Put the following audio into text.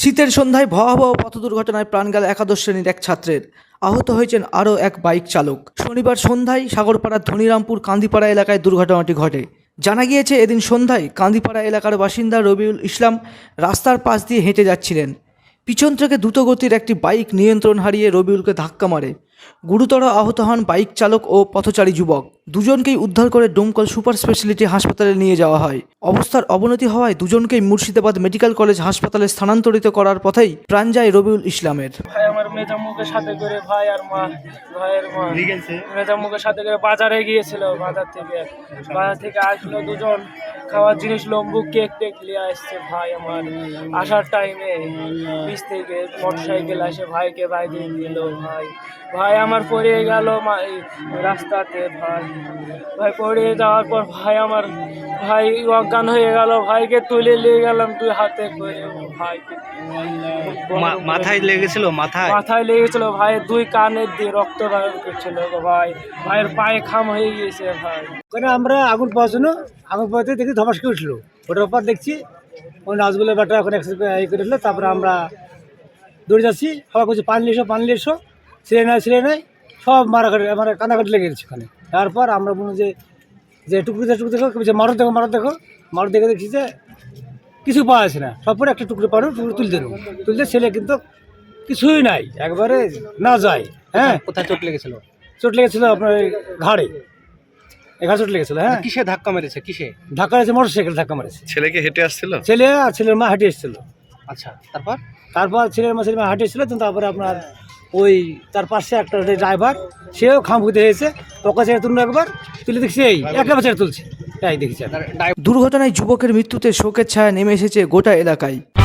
শীতের সন্ধ্যায় ভয়াবহ পথ দুর্ঘটনায় প্রাণ গেল একাদশ শ্রেণীর এক ছাত্রের। আহত হয়েছেন আরও এক বাইক চালক। শনিবার সন্ধ্যায় সাগরপাড়ার ধনিরামপুর কান্দিপাড়া এলাকায় দুর্ঘটনাটি ঘটে। জানা গিয়েছে, এদিন সন্ধ্যায় কান্দিপাড়া এলাকার বাসিন্দা রবিউল ইসলাম রাস্তার পাশ দিয়ে হেঁটে যাচ্ছিলেন। পিছন থেকে দ্রুতগতির একটি বাইক নিয়ন্ত্রণ হারিয়ে রবিউলকে ধাক্কা মারে। গুরুতর আহত হন বাইক চালক ও পথচারী যুবক। দুজনকেই উদ্ধার করে ডোমকল সুপার স্পেশালিটি হাসপাতালে নিয়ে যাওয়া হয়। অবস্থার অবনতি হওয়ায় দুজনকেই মুর্শিদাবাদ মেডিকেল কলেজ হাসপাতালে স্থানান্তরিত করার পথেই প্রাণ যায় রবিউল ইসলামের। ভাই আমার মেজাম্মুকে সাথে করে ভাই আর মা, ভাইয়ের মা মেজাম্মুকে সাথে করে বাজারে গিয়েছিল। বাজার থেকে আসলো দুজন, খাওয়ার জিনিস লম্বু কেক টেক নিয়ে আসছে। ভাই আমার আসার টাইমে পিছ থেকে মোটরসাইকেল আসে ভাইকে বাইরে দিল। ভাই আমার পড়ে গেল রাস্তাতে। ভাই পড়ে যাওয়ার পর ভাই অজ্ঞান হয়ে গেল। ভাইকে তুলে নিয়ে গেলাম দুই হাতে করে। ভাইকে মাথায় লেগেছিল, মাথায় লেগেছিল। ভাইয়ের দুই কানের দিয়ে রক্ত বের করছিল। ভাইয়ের পায়ে খাম হয়ে গিয়েছে। ভাই ওখানে আমরা আগুন পাওয়ার আগুন পাওয়াতে দেখি ধমাসকে উঠলো। ওটার পর দেখছি ওই নাচগুলোর ব্যাটা ওখানে এই করে উঠলো। তারপরে আমরা দৌড়ে যাচ্ছি, সবাই করছি পানি এসো ছেলে নাই সব মানে কান্নাকাটি লেগে গেছে ওখানে। তারপর আমরা বলুন যে টুকরো দেখো মারো দেখে দেখছি যে কিছু পাওয়া যাচ্ছে না। সব পরে একটা টুকরো তুলতে ছেলে কিন্তু কিছুই নাই, একবারে না যায়। হ্যাঁ, কোথায় চোট লেগেছিল? চোট লেগেছিল আপনার ঘাড়ে চোট লেগেছিল। হ্যাঁ, কিসে ধাক্কা মেরেছে? ধাক্কা মেরেছে, মোটরসাইকেল ধাক্কা মেরেছে। ছেলেকে হেঁটে আসছিল? ছেলে আর ছেলের মা হেঁটে এসেছিল। আচ্ছা, তারপর ছেলের মা হেঁটে এসেছিল। তারপরে আপনার ওই তার পাশে একটা ড্রাইভার, সেও খামখুতে হয়েছে। ওকে ছেড়ে তুললো, একবার তুলে দেখছি এই একেবারে ছেড়ে তুলছে, তাই দেখেছি। দুর্ঘটনায় যুবকের মৃত্যুতে শোকের ছায়া নেমে এসেছে গোটা এলাকায়।